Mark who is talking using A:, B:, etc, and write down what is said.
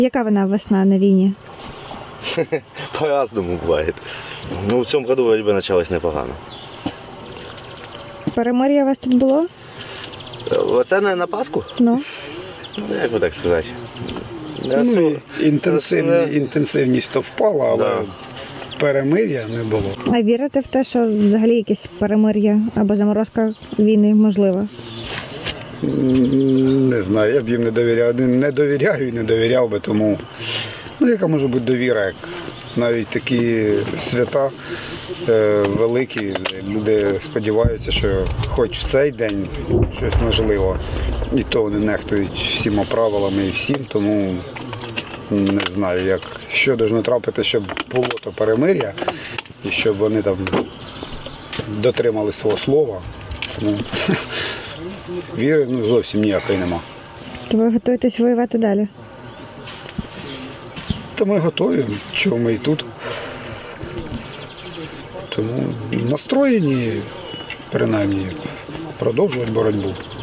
A: Яка вона весна на війні?
B: По-разному бывает. Ну, в цьому году вроде бы началось непогано.
A: Перемир'я у вас тут було?
B: Оце на Пасху?
A: Ну.
B: Ну, як би так сказати.
C: Ну, інтенсивність то впала, але
B: Да.
C: перемир'я не було.
A: А вірите в те, що взагалі якесь перемир'я або заморозка війни можлива?
C: Не знаю, я б їм не довіряв. Не довіряю і не довіряв би, тому яка може бути довіра, як навіть такі свята великі, люди сподіваються, що хоч в цей день щось можливо. І то вони нехтують всіма правилами і всім, тому не знаю, що повинно трапити, щоб було то перемир'я і щоб вони там дотримали свого слова. Тому віри зовсім ніякої нема.
A: То ви готуєтесь воювати далі?
C: Та ми готові, чого ми і тут. Тому настроєні, принаймні, продовжувати боротьбу.